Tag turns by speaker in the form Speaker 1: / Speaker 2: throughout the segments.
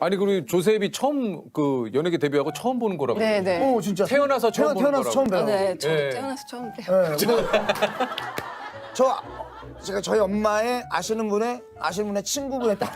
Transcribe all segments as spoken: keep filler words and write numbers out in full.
Speaker 1: 아니 그리고 조셉이 처음 그 연예계 데뷔하고 처음 보는 거라고.
Speaker 2: 네네.
Speaker 3: 오 진짜
Speaker 1: 태어나서 처음 보는
Speaker 3: 태어나서
Speaker 1: 거라고.
Speaker 3: 처음 봬요.
Speaker 2: 아, 네, 저도
Speaker 1: 예.
Speaker 2: 태어나서 처음 봬요.
Speaker 3: 네, 근데 저 제가 저희 엄마의 아시는 분의 아시는 분의 친구분의 딸.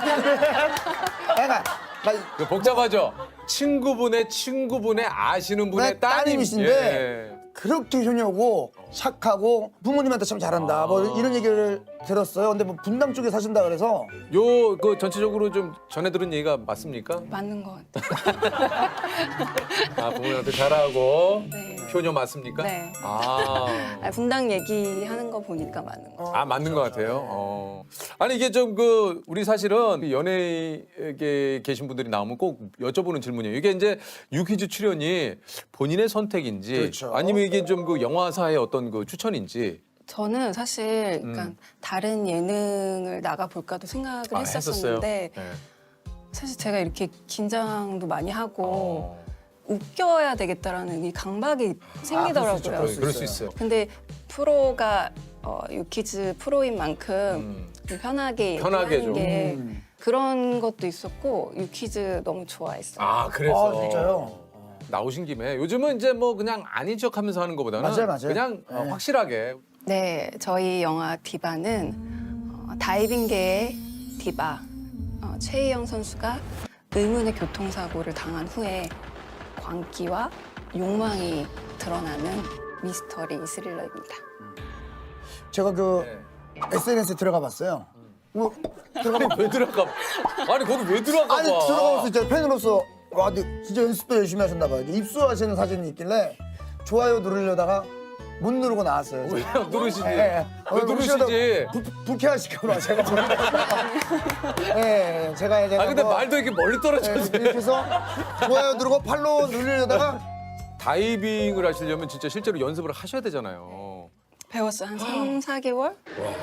Speaker 3: 그러니까 나
Speaker 1: 그 복잡하죠. 친구분의 친구분의 아시는 분의
Speaker 3: 네,
Speaker 1: 따님.
Speaker 3: 따님이신데
Speaker 1: 예.
Speaker 3: 그렇게 효녀고 착하고 부모님한테 참 잘한다. 뭐 이런 얘기를 들었어요. 근데 뭐 분당 쪽에 사신다 그래서
Speaker 1: 요 그 전체적으로 좀 전해 들은 얘기가 맞습니까?
Speaker 2: 맞는 것 같아요.
Speaker 1: 아 부모님한테 잘하고
Speaker 2: 네.
Speaker 1: 효녀 맞습니까?
Speaker 2: 네.
Speaker 1: 아.
Speaker 2: 아, 분당 얘기하는 거 보니까 맞는 거.
Speaker 1: 아 맞는 것 같아요. 어. 아니 이게 좀 그 우리 사실은 연예계에 계신 분들이 나오면 꼭 여쭤보는 질문이에요. 이게 이제 유퀴즈 출연이 본인의 선택인지
Speaker 3: 그렇죠.
Speaker 1: 아니면 이게 좀 그 영화사의 어떤 그 추천인지.
Speaker 2: 저는 사실 그러니까
Speaker 1: 음.
Speaker 2: 다른 예능을 나가 볼까도 생각을
Speaker 1: 아,
Speaker 2: 했었었는데
Speaker 1: 네.
Speaker 2: 사실 제가 이렇게 긴장도 많이 하고
Speaker 1: 어.
Speaker 2: 웃겨야 되겠다라는 이 강박이 생기더라고요.
Speaker 3: 수 있죠,
Speaker 1: 그럴,
Speaker 3: 수
Speaker 1: 그럴 수
Speaker 3: 있어요.
Speaker 1: 있어요.
Speaker 2: 근데 프로가 어, 유키즈 프로인 만큼
Speaker 1: 음.
Speaker 2: 좀 편하게
Speaker 1: 편하게
Speaker 2: 얘기하는
Speaker 1: 좀.
Speaker 2: 게
Speaker 3: 음.
Speaker 2: 그런 것도 있었고 유키즈 너무 좋아했어요.
Speaker 1: 아 그래서
Speaker 3: 아 진짜요?
Speaker 1: 나오신 김에 요즘은 이제 뭐 그냥 아닌 척하면서 하는 것보다는
Speaker 3: 맞아요, 맞아요.
Speaker 1: 그냥 어,
Speaker 3: 네.
Speaker 1: 확실하게.
Speaker 2: 네, 저희 영화 디바는 어, 다이빙계의 디바 어, 최희영 선수가 의문의 교통사고를 당한 후에 광기와 욕망이 드러나는 미스터리 스릴러입니다.
Speaker 3: 제가 그
Speaker 1: 네.
Speaker 3: 에스엔에스에 들어가 봤어요. 뭐 들어가 봐.
Speaker 1: 왜 들어가? 아니 거기 왜 들어가?
Speaker 3: 아니
Speaker 1: 봐?
Speaker 3: 들어가서 진짜 팬으로서 와 근데 진짜 연습도 열심히 하셨나 봐요. 입수하시는 사진이 있길래 좋아요 누르려다가 못 누르고 나왔어요.
Speaker 1: 왜 누르시지?
Speaker 3: 예, 예.
Speaker 1: 왜 누르시지?
Speaker 3: 불- 불쾌하실까봐 제가 좀. 예, 예, 제가 이제
Speaker 1: 아 근데
Speaker 3: 뭐,
Speaker 1: 말도 이렇게 멀리
Speaker 3: 예,
Speaker 1: 떨어져서
Speaker 3: 이렇게 해서 좋아요 누르고 팔로우 누르려다가
Speaker 1: 다이빙을 하시려면 진짜 실제로 연습을 하셔야 되잖아요.
Speaker 2: 배웠어요. 한 삼, 사 개월?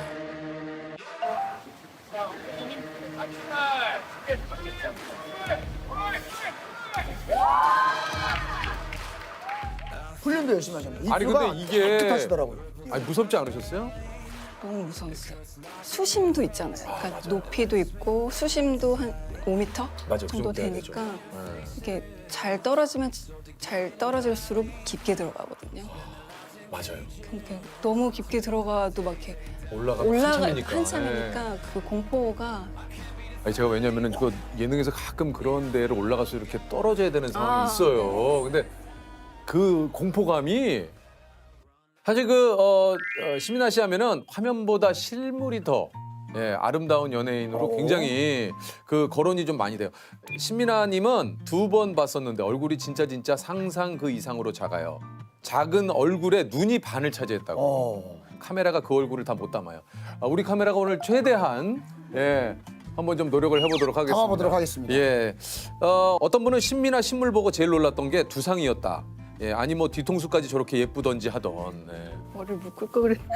Speaker 3: 훈련도 열심히 하셨네요.
Speaker 1: 아니
Speaker 3: 입수가
Speaker 1: 근데 이게
Speaker 3: 하시더라고요.
Speaker 1: 아니 무섭지 않으셨어요?
Speaker 2: 너무 무서웠어요. 수심도 있잖아요. 그러니까 높이도 있고 수심도 한 오 미터
Speaker 1: 맞아, 그
Speaker 2: 정도
Speaker 1: 정도 돼야 되죠.
Speaker 2: 되니까
Speaker 1: 네.
Speaker 2: 이게 잘 떨어지면 잘 떨어질수록 깊게 들어가거든요.
Speaker 1: 맞아요.
Speaker 2: 그러니까 너무 깊게 들어가도 막 이렇게
Speaker 1: 올라가
Speaker 2: 올라가
Speaker 1: 한참이니까.
Speaker 2: 한참이니까
Speaker 1: 예.
Speaker 2: 그 공포가
Speaker 1: 아니 제가 왜냐면은 그 예능에서 가끔 그런 데를 올라가서 이렇게 떨어져야 되는 상황이
Speaker 2: 아,
Speaker 1: 있어요. 근데 그 공포감이 사실 그 어, 어, 시민아 씨 하면은 화면보다 실물이 더 예, 아름다운 연예인으로 굉장히 그 거론이 좀 많이 돼요. 신민아님은 두 번 봤었는데 얼굴이 진짜 진짜 상상 그 이상으로 작아요. 작은 얼굴에 눈이 반을 차지했다고.
Speaker 3: 어.
Speaker 1: 카메라가 그 얼굴을 다 못 담아요. 아, 우리 카메라가 오늘 최대한 예, 한번 좀 노력을 해보도록 하겠습니다.
Speaker 3: 담아보도록 하겠습니다.
Speaker 1: 예, 어, 어떤 분은 신민아 신물 보고 제일 놀랐던 게 두상이었다. 예, 아니 뭐 뒤통수까지 저렇게 예쁘던지 하던. 예.
Speaker 2: 머리를 묶을 거 그랬.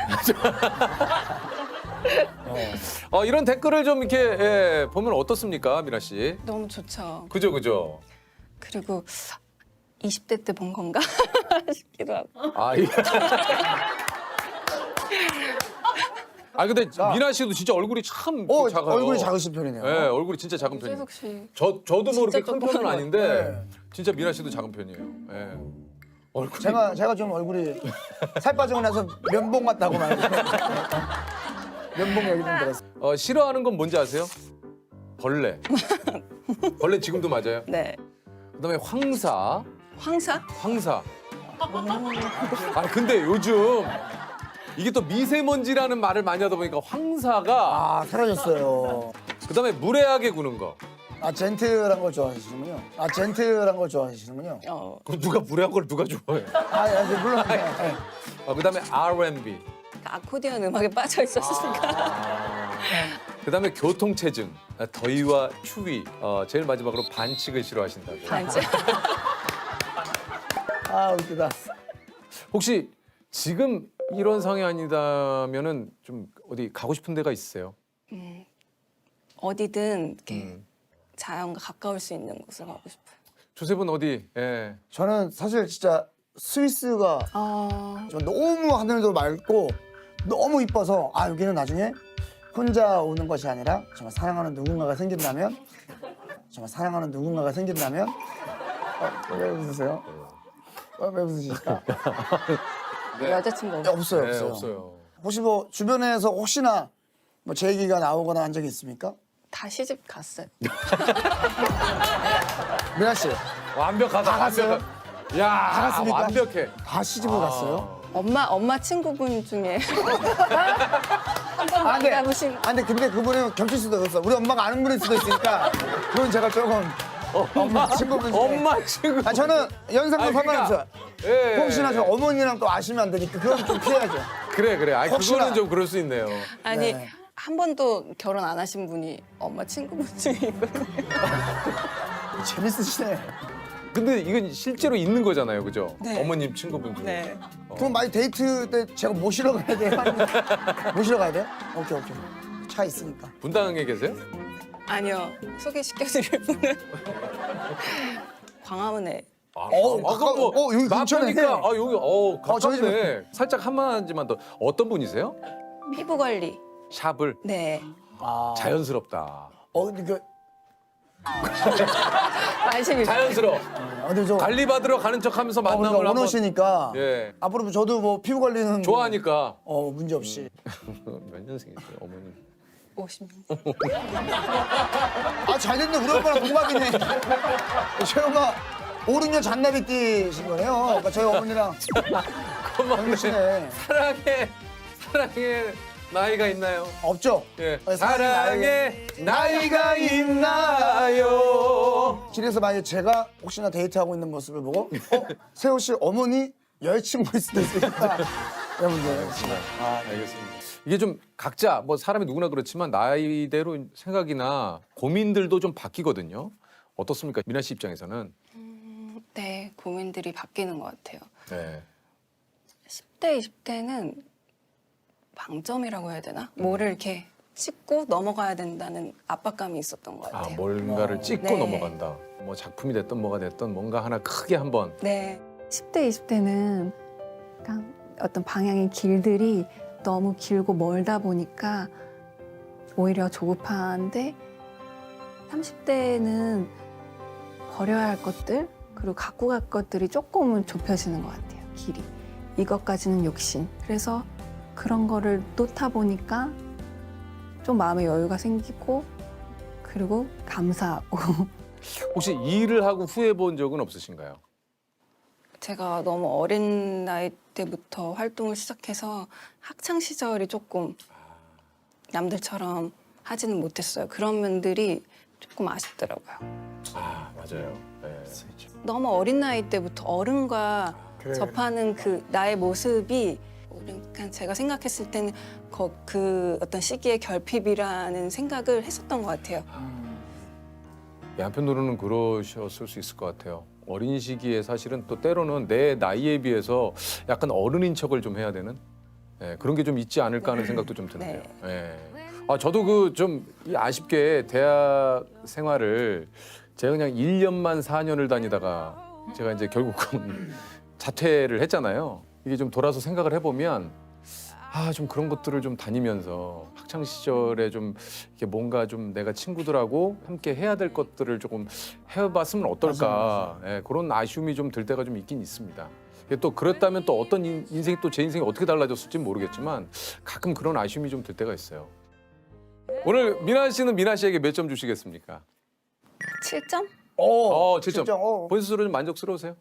Speaker 1: 어, 이런 댓글을 좀 이렇게 예, 보면 어떻습니까, 미나 씨?
Speaker 2: 너무 좋죠.
Speaker 1: 그죠, 그죠.
Speaker 2: 그리고 이십 대 때 본 건가 싶기도 하고.
Speaker 1: 아, 예. 아 근데 미나 씨도 진짜 얼굴이 참
Speaker 3: 어,
Speaker 1: 작아요.
Speaker 3: 얼굴이 작으신 편이네요.
Speaker 1: 예, 얼굴이 진짜 작은 편이에요.
Speaker 2: 최석 씨.
Speaker 1: 저 저도 뭐 이렇게
Speaker 2: 진짜
Speaker 1: 큰
Speaker 2: 조그만
Speaker 1: 편은
Speaker 2: 것
Speaker 1: 아닌데
Speaker 3: 네.
Speaker 1: 진짜 미나 씨도 작은 편이에요. 예. 얼굴이
Speaker 3: 제가 제가 좀 얼굴이 살 빠지고 나서 면봉 같다고 말. 면봉 얘기 좀 들었어요.
Speaker 1: 어, 싫어하는 건 뭔지 아세요? 벌레. 벌레 지금도 맞아요.
Speaker 2: 네.
Speaker 1: 그다음에 황사,
Speaker 2: 황사?
Speaker 1: 황사. 아 근데 요즘 이게 또 미세먼지라는 말을 많이 하다 보니까 황사가
Speaker 3: 아 사라졌어요.
Speaker 1: 그다음에 무례하게 구는 거.
Speaker 3: 아 젠틀한 걸 좋아하시는군요. 아 젠틀한 걸 좋아하시는군요.
Speaker 2: 어.
Speaker 1: 그럼 누가 무례한 걸 누가 좋아해?
Speaker 3: 아, 예, 예, 물론 예, 예.
Speaker 1: 아, 그다음에 알앤비.
Speaker 2: 아코디언 음악에 빠져 있었으니까.
Speaker 1: 그다음에 교통체증, 더위와 추위. 어, 제일 마지막으로 반칙을 싫어하신다고.
Speaker 2: 반지.
Speaker 3: 아 웃기다.
Speaker 1: 혹시 지금 이런 상황이 아니다면은 좀 어디 가고 싶은 데가 있으세요?
Speaker 2: 어디든 이렇게
Speaker 1: 음.
Speaker 2: 자연과 가까울 수 있는 곳을 가고 싶어요.
Speaker 1: 조셉은 어디? 예.
Speaker 3: 저는 사실 진짜 스위스가
Speaker 2: 아,
Speaker 3: 저 너무 하늘도 맑고 너무 이뻐서 아 여기는 나중에 혼자 오는 것이 아니라 정말 사랑하는 누군가가 생긴다면 정말 사랑하는 누군가가 생긴다면 어, 왜 웃으세요? 어, 왜 웃으실까?
Speaker 2: 여자친구
Speaker 3: 네, 없어요,
Speaker 1: 네,
Speaker 3: 없어요.
Speaker 1: 없어요.
Speaker 3: 혹시 뭐 주변에서 혹시나 뭐 제 얘기가 나오거나 한 적이 있습니까?
Speaker 2: 다 시집 갔어요.
Speaker 3: 미나 씨,
Speaker 1: 완벽하다.
Speaker 3: 다 갔어요?
Speaker 1: 완벽하- 야,
Speaker 3: 다 갔습니까?
Speaker 1: 완벽해.
Speaker 3: 다 시집을 갔어요?
Speaker 2: 엄마 엄마 친구분 중에 한번
Speaker 3: 아, 네.
Speaker 2: 만나보신
Speaker 3: 아, 근데, 근데 그분은 겹칠 수도 있어. 우리 엄마가 아는 분일 수도 있으니까 그건 제가 조금 엄마 친구분 중에.
Speaker 1: 엄마 친구.
Speaker 3: 아, 저는 연상도
Speaker 1: 아니, 그러니까,
Speaker 3: 상관없어요.
Speaker 1: 예.
Speaker 3: 혹시나 저 어머니랑 또 아시면 안 되니까 그건 좀 피해야죠.
Speaker 1: 그래 그래. 아
Speaker 3: 혹시나.
Speaker 1: 그거는 좀 그럴 수 있네요.
Speaker 2: 아니
Speaker 3: 네.
Speaker 2: 한 번도 결혼 안 하신 분이 엄마 친구분 중에 있거든요.
Speaker 3: 재밌으시네.
Speaker 1: 근데 이건 실제로 있는 거잖아요, 그죠?
Speaker 2: 네.
Speaker 1: 어머님 친구분 중에.
Speaker 2: 네.
Speaker 3: 그럼 많이 데이트 때 제가 모시러 가야 돼요? 모시러 가야 돼요? 오케이, 오케이. 차 있으니까.
Speaker 1: 분당에 계세요?
Speaker 2: 아니요 소개시켜드릴 분은 광화문에
Speaker 1: 아,
Speaker 3: 어,
Speaker 1: 아,
Speaker 3: 가까워.
Speaker 1: 그럼 뭐
Speaker 3: 어, 여기 근처네.
Speaker 1: 맞으니까 아 여기 어 가깝네.
Speaker 3: 저희 집.
Speaker 1: 살짝 한마디만 더. 어떤 분이세요?
Speaker 2: 피부 관리.
Speaker 1: 샵을
Speaker 2: 네.
Speaker 3: 아.
Speaker 1: 자연스럽다.
Speaker 3: 어, 근데 그,
Speaker 2: 관심이
Speaker 1: 자연스러워.
Speaker 3: 어, 근데 저.
Speaker 1: 관리 받으러 가는 척하면서
Speaker 3: 어, 그러니까
Speaker 1: 만남을 한번
Speaker 3: 원호시니까.
Speaker 1: 예.
Speaker 3: 앞으로 저도 뭐 피부 관리는. 뭐,
Speaker 1: 좋아하니까.
Speaker 3: 어, 문제 없이.
Speaker 1: 몇 년생이세요, 어머님?
Speaker 2: 오십 년.
Speaker 3: 아, 잘 됐네. 우리 엄마랑 동갑이네. 저희 엄마 오, 육 년 잔나비띠신 거네요. 그러니까 저희 어머니랑
Speaker 1: 고맙네.
Speaker 3: 동시네.
Speaker 1: 사랑해, 사랑해 나이가 있나요?
Speaker 3: 없죠?
Speaker 1: 예.
Speaker 3: 어,
Speaker 1: 사랑해 나이가 있나요?
Speaker 3: 길에서 만약에 제가 혹시나 데이트하고 있는 모습을 보고 어? 세호 씨 어머니 여자친구일 수도 있으니까 여러분들
Speaker 1: 아, 알겠습니다. 이게 좀 각자 뭐 사람이 누구나 그렇지만 나이대로 생각이나 고민들도 좀 바뀌거든요. 어떻습니까, 미나 씨 입장에서는?
Speaker 2: 네 고민들이 바뀌는 것 같아요.
Speaker 1: 네.
Speaker 2: 십 대, 이십 대는 방점이라고 해야 되나? 뭐를 이렇게 찍고 넘어가야 된다는 압박감이 있었던 것
Speaker 1: 아
Speaker 2: 같아요.
Speaker 1: 뭔가를 찍고
Speaker 2: 네.
Speaker 1: 넘어간다. 뭐 작품이 됐든 뭐가 됐든 뭔가 하나 크게 한번.
Speaker 2: 네.
Speaker 4: 십 대, 이십 대는 약간 어떤 방향의 길들이 너무 길고 멀다 보니까 오히려 조급한데 삼십 대는 버려야 할 것들 그리고 갖고 갈 것들이 조금은 좁혀지는 것 같아요. 길이. 이것까지는 욕심. 그래서 그런 거를 놓다 보니까 좀 마음의 여유가 생기고 그리고 감사하고
Speaker 1: 혹시 일을 하고 후회해 본 적은 없으신가요?
Speaker 2: 제가 너무 어린 나이 때부터 활동을 시작해서 학창 시절이 조금 남들처럼 하지는 못했어요. 그런 면들이 조금 아쉽더라고요.
Speaker 1: 아 맞아요. 네.
Speaker 2: 너무 어린 나이 때부터 어른과
Speaker 3: 그래.
Speaker 2: 접하는 그 나의 모습이 그러니까 제가 생각했을 때는 거- 그 어떤 시기의 결핍이라는 생각을 했었던 것 같아요.
Speaker 1: 예, 한편으로는 그러셨을 수 있을 것 같아요. 어린 시기에 사실은 또 때로는 내 나이에 비해서 약간 어른인 척을 좀 해야 되는 예, 그런 게 좀 있지 않을까 하는 생각도 좀 드는데요. 예. 아, 저도 그 좀 아쉽게 대학 생활을 제가 그냥 일 년만 사 년을 다니다가 제가 이제 결국은 자퇴를 했잖아요. 이게 좀 돌아서 생각을 해보면 아, 좀 그런 것들을 좀 다니면서 학창 시절에 좀 이렇게 뭔가 좀 내가 친구들하고 함께 해야 될 것들을 조금 해봤으면 어떨까. 예, 그런 아쉬움이 좀 들 때가 좀 있긴 있습니다. 이게 또 그렇다면 또 어떤 인- 인생이 또 제 인생이 어떻게 달라졌을지 모르겠지만 가끔 그런 아쉬움이 좀 들 때가 있어요. 오늘 미나 씨는 미나 씨에게 몇 점 주시겠습니까?
Speaker 2: 칠 점?
Speaker 3: 어,
Speaker 1: 어, 칠 점.
Speaker 3: 칠 점. 어.
Speaker 1: 본인 스스로 좀 만족스러우세요?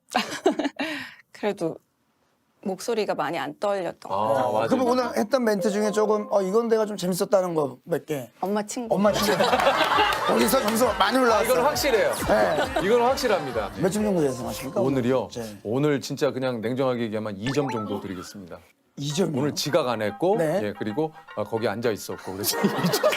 Speaker 2: 그래도 목소리가 많이 안 떨렸던 것
Speaker 1: 아,
Speaker 2: 같아요.
Speaker 1: 맞아요.
Speaker 3: 그럼 오늘 했던 멘트 중에 조금 어 이건 내가 좀 재밌었다는 거 몇 개.
Speaker 2: 엄마 친구.
Speaker 3: 엄마 친구. 거기서 점수 많이
Speaker 1: 아,
Speaker 3: 올라왔어요.
Speaker 1: 이건 확실해요.
Speaker 3: 네.
Speaker 1: 이건 확실합니다.
Speaker 3: 몇 점 정도 예상하십니까?
Speaker 1: 오늘이요?
Speaker 3: 네.
Speaker 1: 오늘 진짜 그냥 냉정하게 얘기하면 이 점 정도 드리겠습니다.
Speaker 3: 이 점이요.
Speaker 1: 오늘 지각 안 했고,
Speaker 3: 네.
Speaker 1: 예, 그리고 어, 거기 앉아 있었고, 그래서 이 점.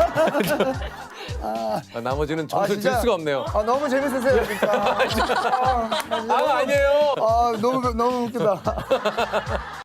Speaker 1: 아, 나머지는 점수 를 줄
Speaker 3: 진짜?
Speaker 1: 수가 없네요.
Speaker 3: 아 너무 재밌으세요 진짜. 아, 아,
Speaker 1: 아, 아니에요.
Speaker 3: 아 너무 너무 웃기다.